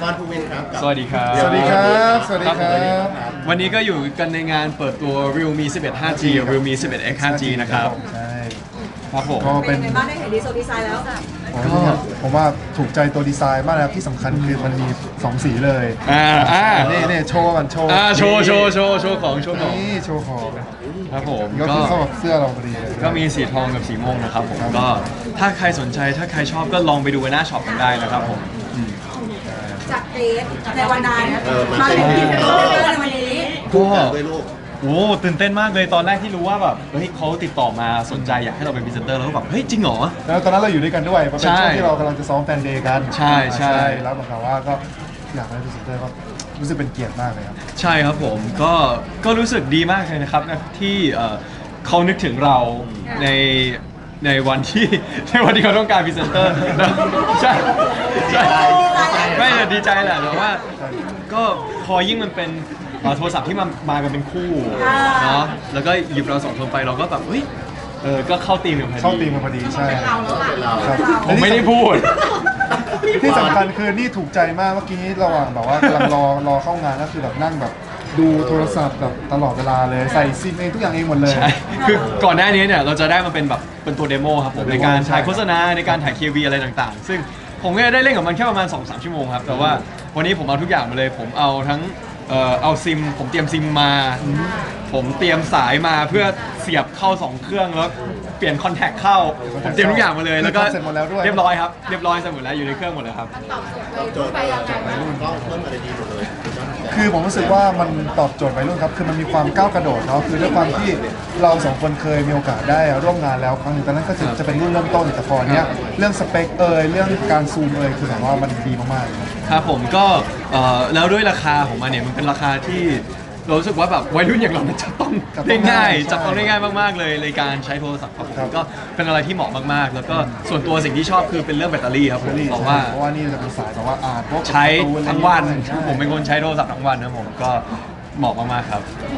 อนภูวินครับสวัสดีครับสวัสดีครับสวัสดีครับวันนี้ก็อยู่กันในงานเปิดตัว Realme 11 5G Realme 11X 5G นะครับใช่ครับผมก็เป็เป็น นไงบ้างได้เห็นดีโซดีไซน์แล้วก็ผมว่าถูกใจตัวดีไซน์มากนะครับที่สำคัญคือมันมี2สีเลย นี่โชว์กันโชว์โชว์ของนี่โชว์ของครับผมก็ก็คือเข้ากับเสื้อเราพอดีเลยก็มีสีทองกับสีม่วงนะครับผมก็ถ้าใครสนใจถ้าใครชอบก็ลองไปดูหน้าช็อปกันได้นะครับผมจากเกรซในวันนั้นมาเป็นที่เป็นในวันนี้ก็ด้วยลูกโอ้ตื่นเต้นมากเลยตอนแรกที่รู้ว่าแบบเฮ้ยเขาติดต่อมาสนใจอยากให้เราเป็นพรีเซนเตอร์แล้วก็แบบเฮ้ยจริงเหรอแล้วตอนนั้นเราอยู่ด้วยกันด้วยมันเป็นใช่ช่วงที่เรากำลังจะซ้อมแฟนเดย์กันใช่แล้วเหมือนกับว่าก็อยากได้พรีเซนเตอร์ก็รู้สึกเป็นเกียรติมากเลยครับใช่ครับผมก็รู้สึกดีมากเลยนะครับที่เขานึกถึงเราในในวันที่ ในวันที่เขาต้องการพรีเซนเตอร์นะใช่ไม่แต่ดีใจแหละแต่ว่าก็พอยิ่งมันเป็นโทรศัพท์ที่มากันเป็นคู่เนาะแล้วก็หยิบเราสองคนไปเราก็แบบเฮ้ยก็เข้าตีมกันพอดีเข้าตีมมาพอดีใช่เป็นเราครับผมไม่ได้พูดที่สำคัญคือนี่ถูกใจมากเมื่อกี้ระหว่างแบบว่ากำลังรอเข้างานก็คือแบบนั่งแบบดูโทรศัพท์แบบตลอดเวลาเลยใส่ซิมเองทุกอย่างเองหมดเลยใช่ คือก่อนหน้านี้เนี่ยเราจะได้มาเป็นแบบเป็นตัวเดโมครับผมในการถ่ายโฆษณาในการถ่าย KV อะไรต่างๆ ซึ่งผมก็ได้เล่นกับมันแค่ประมาณ 2-3 ชั่วโมงครับ แต่ว่าวันนี้ผมเอาทุกอย่างมาเลย ผมเอาทั้งเอาซิม ผมเตรียมซิมมา ผมเตรียมสายมาเพื่อเสียบเข้า 2 เครื่องแล้วเปลี่ยนคอนแทคเข้า ผมเตรียมทุกอย่างมาเลย แล้วก็เสร็จหมดแล้วด้วยเรียบร้อยครับ เรียบร้อยเสร็จหมดแล้วอยู่ในเครื่องหมดเลยครับโจทย์วัยรุ่นก็เพิ่มอะไรดีหมดเลยคือผมรู้สึกว่ามันตอบโจทย์วัยรุ่นครับ คือมันมีความก้าวกระโดดเนาะ คือด้วยความที่เราสองคนเคยมีโอกาสได้ร่วมงานแล้วครั้งหนึงตอนนั้นก็จะเป็นรุ่นเริ่มต้น แต่พอเนี้ยเรื่องสเปคเรื่องการซูมคือแบบว่ามันดีมากๆเลยครับครับผมก็แล้วด้วยราคาของมันเนี่ยมันเป็นราคาที่เรารู้สึกว่าแบบวัยรุ่นอย่างเรามันจะต้องได้ง่ายจับต้องได้ง่ายมากๆเลยในการใช้โทรศัพท์ครับผมก็เป็นอะไรที่เหมาะมากๆ แล้วก็ส่วนตัวสิ่งที่ชอบคือเป็นเรื่องแบตเตอรี่ครับผมเพราะว่าเพราะว่านี่จะเป็นสายแบบว่าพวกใช้ทั้งวันใช่ผมเป็นคนใช้โทรศัพท์ทั้งวันนะผมก็เหมาะมากๆครับ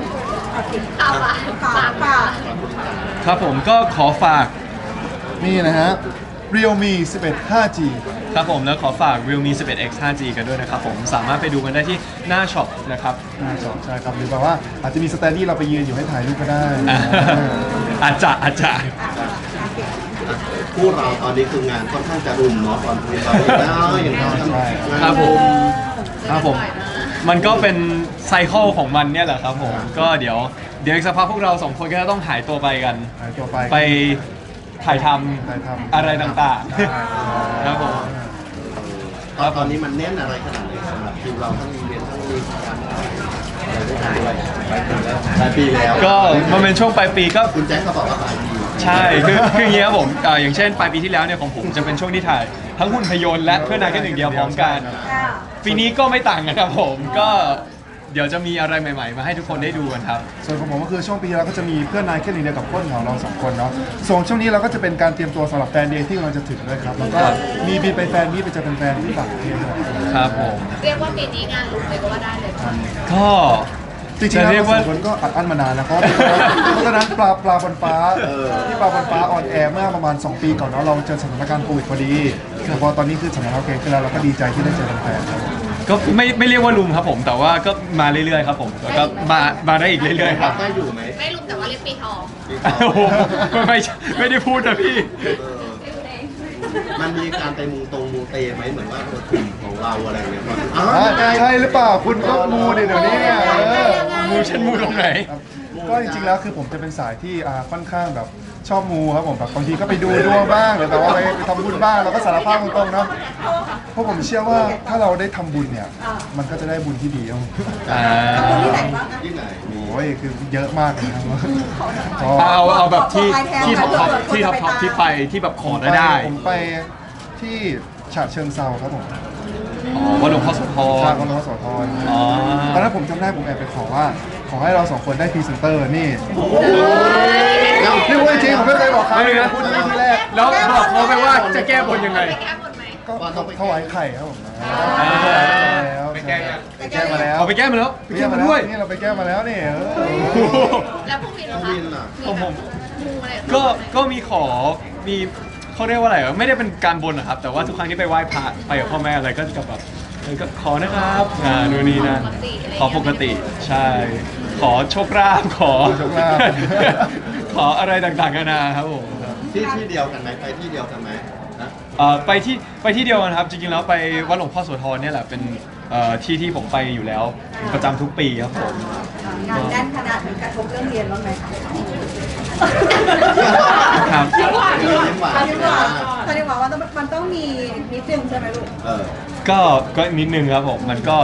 ป่าครับผมก็ขอฝากนี่นะฮะ Realme 11 5G ครับผมแล้วขอฝาก Realme 11X 5G กันด้วยนะครับผมสามารถไปดูกันได้ที่หน้าช็อปนะครับหน้าจอใช่ครับ หรือแบบว่าอาจจะมีสแตนดี้เราไปยืนอยู่ให้ถ่ายรูปก็ได้อาจจะคู่เราตอนนี้คืองานค่อนข้างจะรุมเนาะตอนภูวินเราอีกแล้วอย่างเราทำงานครับผมมันก็เป็นไซเคิลของมันเนี่ยแหละครับผมก็เดี๋ยวอีกสักพักพวกเราสองคนก็จะต้องหายตัวไปกันหายตัวไปไปถ่ายทถ่ายทำำอะไรต่างๆครับผมตอนนี้มันแน่นอะไรขนาดไหนสำหรับคิวเราทั้งอีเวนต์ทั้งมีการอะไรด้วยกันด้วยปลายปีแล้วก็มันเป็นช่วงปลายปีก็คุณแจ็คเขาบอกว่าปลายปีใช่คืออย่างเงี้ยครับผมอย่างเช่นปลายปีที่แล้วเนี่ยของผมจะเป็นช่วงที่ถ่ายทั้งหุ่นพยนต์และเพื่อนนายแค่หนึ่งเดียวพร้อมกันปีนี้ก็ไม่ต่างกันครับผมก็เดี๋ยวจะมีอะไรใหม่ๆ มาให้ทุกคนได้ดูกันครับส่วนของผมก็คือช่วงปีที่แล้วก็จะมีเพื่อนนายแค่หนึ่งเดียวกับคนของเราสองคนเนาะส่วนช่วงนี้เราก็จะเป็นการเตรียมตัวสำหรับแฟนเดย์ที่กำลังจะถึงด้วยครับ แล้วก็มีบินไปแฟนนี้ไปเจอแฟนๆที่ต่างประเทศด้วยครับผมเรียกว่าปีนี้งานลุกเลยก็ว่าได้เลยค่ะก็จริงๆจะแล้วเรียกเราว่าสองคนก็อัดอั้นมานานแล้วเพราะตอนนั้นปลาบนฟ้าที่ปลาบนฟ้าออนแอร์เมื่อประมาณ 2 ปีก่อนเนาะเราเจอสถานการณ์โควิดพอดีแต่พอตอนนี้คือสถานการณ์โอเคขึ้นแล้วเราก็ดีใจที่ได้เจอแฟนๆครับก็ไม่เรียกว่าลุมครับผมแต่ว่าก็มาเรื่อยๆครับผมแล้วก็มาได้อีกเรื่อยๆครับได้อยู่ไหมไม่ลุกแต่ว่าเรียกปีทองโอ้โหไม่ได้พูดนะพี่มันมีการไปมูเตไหมเหมือนว่ากลุ่มของเราอะไรอย่างเงี้ยตอนนี้ใช่หรือเปล่าคุณก็มูเดี๋ยวนี้เนี่ยมูฉันมูตรงไหนครับก็จริงๆแล้วคือผมจะเป็นสายที่ค่อนข้างแบบชอบมูครับผมแบบบางทีก็ไปดูดวงบ้างหรือแบบว่าไปทำบุญบ้างเราก็สารภาพตรงๆเนาะเพราะผมเชื่อว่าถ้าเราได้ทำบุญเนี่ยมันก็จะได้บุญที่ดีครับที่ไหนบ้างที่ไหนมีโอ้ยคือเยอะมากเลยครับเอาแบบที่ท็อปที่ไปที่แบบขอได้ผมไปที่ฉะเชิงเซาครับผมอ๋อว่าหลวงพ่อโสธชารคนรสธรอ๋อตอนนั้นผมจำได้ผมแอบไปขอว่า ขอให้เราสองคนได้พรีเซนเตอร์นี่นี่พูดจริงผมไม่เคยบอกใครเลยนะพูดนี่ที่แรกแล้วบอกเขาไปว่าจะแก้บนยังไงไปแก้บนไหมก็ถวายไข่ครับผมไปแก้ยังไปแก้มาแล้วเอาไปแก้มาแล้วไปแก้มาด้วยนี่เราไปแก้มาแล้วนี่แล้วพวกวินเหรอภูคะวินล่ะของผมมูอะไรก็มีขอมีเขาเรียกว่าอะไรไม่ได้เป็นการบนนะครับแต่ว่าทุกครั้งที่ไปไหว้พระไปกับพ่อแม่อะไรก็จะแบบก็ขอนะครับนู่นนี่นั่นขอปกติใช่ ขอโชคลาภขอโชคลาภขออะไรต่างๆกันานาครับผมที่เดียวกันไหมไปที่เดียวกันไหมนะไปที่เดียวกันครับจริงๆแล้วไปวัดหลวงพ่อโสธรเนี่ยแหละเป็นที่ผมไปอยู่แล้วประจำทุกปีครับผมงานแน่นขนาดนี้กระทบเรื่องเรียนบ้างไหมคะครับยิ้มหวานตอนนี้ว่ามันต้องมีนิดนึงใช่ไหมลูกก็นิดนึงครับผมมันก็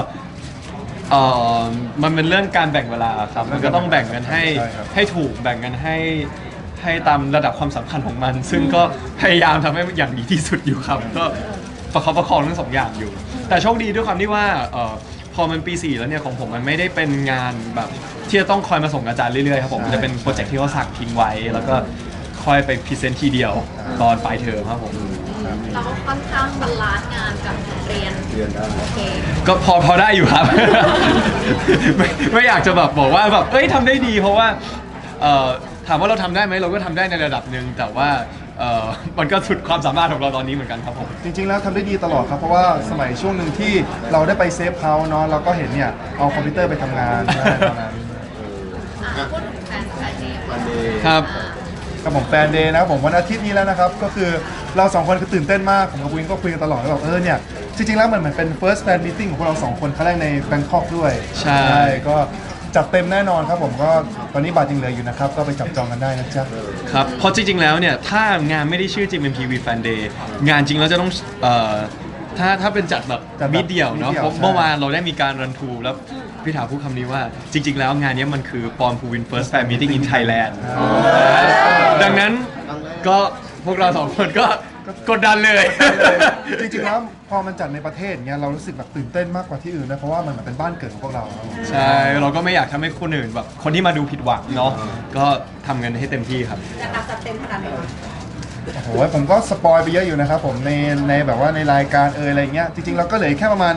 มันเป็นเรื่องการแบ่งเวลาครับมันก็ต้องแบ่งกันให้ใช่ครับให้ถูกแบ่งกันให้ตามระดับความสำคัญของมัน ซึ่งก็พยายามทำให้อย่างดีที่สุดอยู่ครับ ก็ประคับประคองทั้งสองอย่างอยู่ แต่โชคดีด้วยความที่ว่าพอมันปี 4 แล้วเนี่ยของผมมันไม่ได้เป็นงานแบบที่จะต้องคอยมาส่งอาจารย์เรื่อยๆครับผมมันจะเป็นโปรเจกต์ที่เขาสักทิ้งไว้ แล้วก็ค่อยไปพรีเซนต์ทีเดียวตอนปลายเทอมครับผมเราก็ค่อนข้างบาลานซ์งานกับเรียนเรียนได้โอเคก็พอได้อยู่ครับ ไม่อยากจะแบบบอกว่าแบบเอ้ยทำได้ดีเพราะว่าถามว่าเราทำได้ไหมเราก็ทำได้ในระดับหนึ่งแต่ว่ามันก็สุดความสามารถของเราตอนนี้เหมือนกันครับผมจริงๆแล้วทำได้ดีตลอดครับเพราะว่าสมัยช่วงหนึ่งที่เราได้ไปเซฟเฮาส์เนาะเราก็เห็นเนี่ยเอาคอมพิวเตอร์ไปทำงานใช่ตอนนั้นพูดถึงแฟนเดย์วันเดย์ครับกับผมแฟนเดย์นะครับผมวันอาทิตย์นี้แล้วนะครับก็คือเราสองคนคือตื่นเต้นมากผมกับวินก็คุยกันตลอดว่าแบบเนี่ยจริงๆแล้วมันเหมือนเป็น first fan meeting ของพวกเราสองคนครั้งแรกในแบงคอกด้วยใช่ก็จัดเต็มแน่นอนครับผมก็ตอนนี้บัตรยังเหลืออยู่นะครับก็ไปจับจองกันได้นะจ๊ะครับเพราะจริงๆแล้วเนี่ยถ้างานไม่ได้ชื่อ GMMTV Fan Day งานจริงแล้วจะต้องถ้าเป็นจัดแบบจัดแบบมิดเดียวเนาะมิดเดี่ยวเพราะใช่เมื่อวานเราได้มีการรันทูแล้วพี่ถาพูดคำนี้ว่าจริง ๆ แล้วงานนี้มันคือปอนภูวิน First Fan Meeting in Thailand ดังนั้นก็พวกเราสองคนก็กดดันเลยจริงๆแล้วพอมันจัดในประเทศเนี้ยเรารู้สึกแบบตื่นเต้นมากกว่าที่อื่นนะเพราะว่ามันเหมือนเป็นบ้านเกิดของพวกเราครับผมใช่ เราก็ไม่อยากทำให้คนอื่นแบบคนที่มาดูผิดหวังเนาะก็ทำกันให้เต็มที่ครับจะนับจัดเต็มขนาดไหนคะโอ้โหผมก็สปอยไปเยอะอยู่นะครับผมในแบบว่าในรายการอะไรเงี้ยจริงๆเราก็เหลือแค่ประมาณ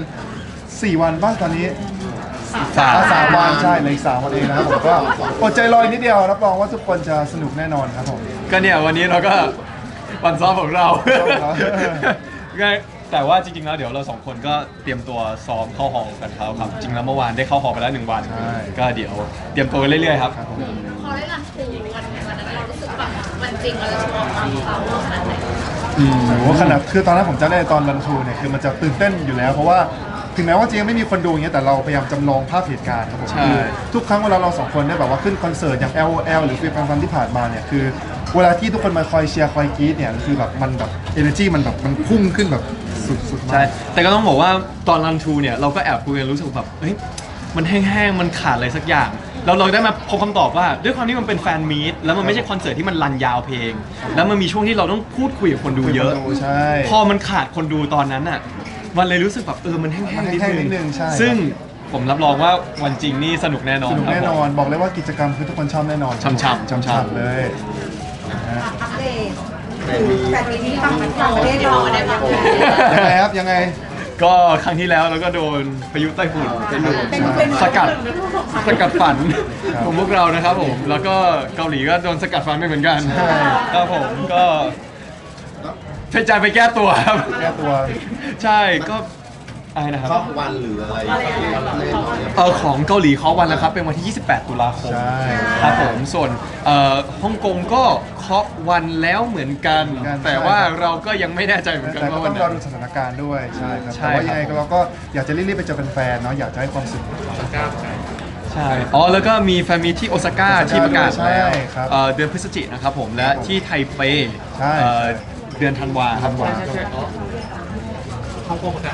4 วันบ้างตอนนี้ สามวันใช่เหลย3 วันเองนะครับผมก็อดใจรออีกนิดเดียวรับรองว่าทุกคนจะสนุกแน่นอนครับผมก็เนี่ยวันนี้เราก็วันซ้อมของเราครับก็แต่ว่าจริงๆแล้วเดี๋ยวเราสองคนก็เตรียมตัวซ้อมเข้าหอกันแล้วครับ จริงแล้วเมื่อวานได้เข้าหอไปแล้ว1 วันใช่ก็เดี๋ยวเตรียมตัวกันเรื่อยๆครับพอได้รันทูวันนั้นเรารู้สึกแบบวันจริงเราจะโชว์ความสามารถขนาดไหนโอ้โหขนาดคือตอนนั้นผมจำได้ตอนรันทูเนี่ยคือมันจะตื่นเต้นอยู่แล้ว เพราะว่าถึงแม้ว่าจะยังไม่มีคนดูอย่างเงี้ยแต่เราพยายามจำลองภาพเหตุการณ์ครับผมใช่คือทุกครั้งเวลาเราสองคนได้แบบว่าขึ้นคอนเสิร์ตอย่าง LOL หรือฟิล์มฟันที่ผ่านมาเนี่ยคือเวลาที่ทุกคนมาคอยเชียร์คอยกรี๊ดเนี่ยคือแบบมันแบบ energy มันแบบมันพุ่งขึ้นแบบสุดๆมาใช่กแต่ก็ต้องบอกว่าตอนรันทูเนี่ยเราก็แอบคุยกันรู้สึกแบบเฮ้ยมันแห้งๆมันขาดอะไรสักอย่างแล้วเราได้มาพบคำตอบว่าด้วยความที่มันเป็นแฟนมีตแล้วมันไม่ใช่คอนเสิร์ตที่มันรันยาวเพลง แล้วมันมีช่วงที่เราต้องพูดคุยกับคนดูเยอะใช่พอมันขาดคนดูตอนนั้นอ่ะ มันเลยรู้สึกแบบมันแห้งมันๆแห้งๆนิดนึงใช่ซึ่งผมรับรองว่าวันจริงนี่สนุกแน่นอนสนุกครับแน่นอนบอกเลยว่ากิจกรรมคือทุกคนชอบแน่นอนช่ำๆช่ำๆเลยนะฮะอัปเดตแฟนมีที่ต่างประเทศเราได้บ้างไหมยังไงครับยังไงก็ครั้งที่แล้วเราก็โดนพายุไต้ฝุ่นเป็นสกัดฝันครับของพวกเรานะครับผม แล้วก็เกาหลีก็โดนสกัดฝันไปเหมือนกันใช่ครับผมก็พยายามไปแก้ตัวครับแก้ตัวใช่ก็อะไรนะครับชอบวันหรืออะไรที่เราเล่นหน่อยของเกาหลีเคาะวันแล้วครับ เป็นวันที่ 28 ตุลาคมใช่ครับผมส่วนฮ่องกงก็เคาะวันแล้วเหมือนกัน แต่ว่าเราก็ยังไม่แน่ใจเหมือนกันแต่ก็ว่าต้วัอน งไหนรอดูสถานการณ์ด้วยใช่ครับใช่แต่ว่าครับยังไงเราก็อยากจะรีบๆไปเจอแฟนๆเนาะอยากจะให้ความสุขใช่อ๋อแล้วก็มีแฟนมีที่โอซาก้าโอซาก้าที่ประกาศแล้วใช่ครับเดือนพฤศจิกายนนะครับผมและครับผมที่ไทเปใช่เดือนธันวาครับธันวาอ๋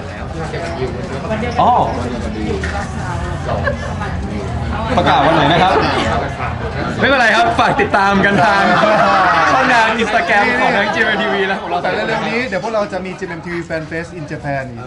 อประกาศวันไหนนะครับ ไม่เป็นไรครับ ฝากติดตามกันทางช่องทางอินสตาแกรมของทั้ง GMMTV และของเราแต่แต่เร็วๆนี้เดี๋ยวพวกเราจะมี GMMTV Fan Fest in Japan อีก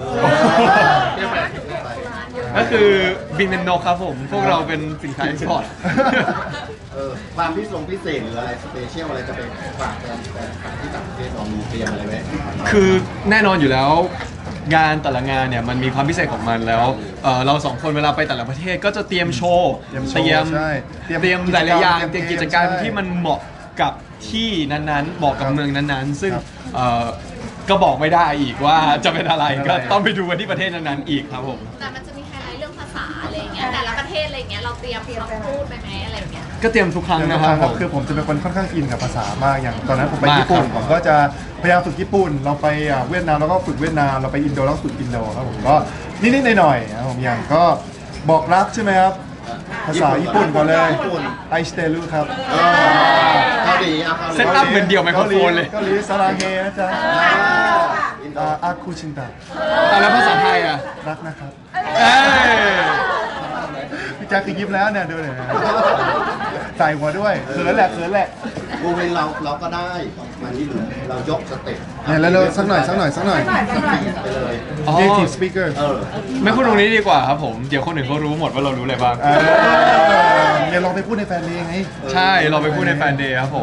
ก็คือบินเป็นนกครับผม พวกเราเป็นสินค้าเอ็กซ์พอร์ตความพิเศษหรืออะไรสเปเชียลอะไรจะไปฝากแฟนที่ต่างประเทศเรามีเตรียมอะไรไหมคือแน่นอนอยู่แล้วงานแต่ละงานเนี่ยมันมีความพิเศษของมันแล้วเราสองคนเวลาไปแต่ละประเทศก็จะเตรียมโชว์เตรียมโชว์ใช่เตรียมหลายๆอย่างเตเตรีรียยมมเกมกิจกรรมใช่ที่มันเหมาะกับที่นั้นๆเหมาะกับครับเมืองนั้นๆ ซึ่งครับผก็บอกไม่ได้อีกว่าจะเป็นอะไรก็ต้องไปดูกันที่ประเทศนั้นๆอีกครับผมแต่มันจะมีไฮไลท์เรื่องภาษาอะไรอย่างเงี้ยแต่ละประเทศอะไรอย่างเงี้ยเราเตรียมคำพูดไปไหมอะไรอย่างเงี้ยก็เตรียมทุกครั้งนะครับผมคือผมจะเป็นคนค่อนข้างอินกับภาษามากอย่างตอนนั้นผมไปมากญี่ปุ่นครับผมก็จะพยายามฝึกญี่ปุ่นเราไปเวียดนามเราก็ฝึกเวียดนามเราไปอินโดเราก็ฝึกอินโดครับผมก็นิดๆหน่อยๆนะครับผมอย่างก็บอกรักใช่ไหมครับภาษาญี่ปุ่นก่อนเลยไอสเตลูครับเกาหลีเอาเกาหลีเซตอัพเหมือนเดี่ยวไมโครโฟนเลยเกาหลีสาราเฮนะจ๊ะอาคูชินตะแล้วภาษาไทยอ่ะรักนะครับเอ้ยพี่แจ๊คคือยิ้มแล้วเนี่ยดูเลยนะใส่หัวด้วยเขินแหละบูวินเราก็ได้มาที่เหลือเรายกสเต็ปเนี่ยแล้วสักหน่อยไปหน่อยไปเลยอ๋อ native speaker ไม่พูดตรงนี้ดีกว่าครับผม เดี๋ยวคนอื่นเขารู้หมดว่าเรารู้อะไรบ้างเนี่ยลองไปพูดในแฟนเพลงไงใช่ เราไปพูดในแฟนเดย์ครับผม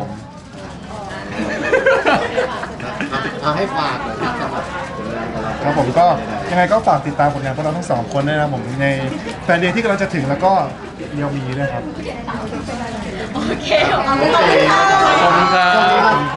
เอาให้ฝากเลยสำหรับครับผมก็ยังไงก็ฝากติดตามผลงานพวกเราทั้งสองคนด้วยนะครับผมในแฟนเดย์ที่กำลังจะถึงแล้วก็เรียวมีด้วยครับโอเคขอบคุณค่ะขอบคุณครับ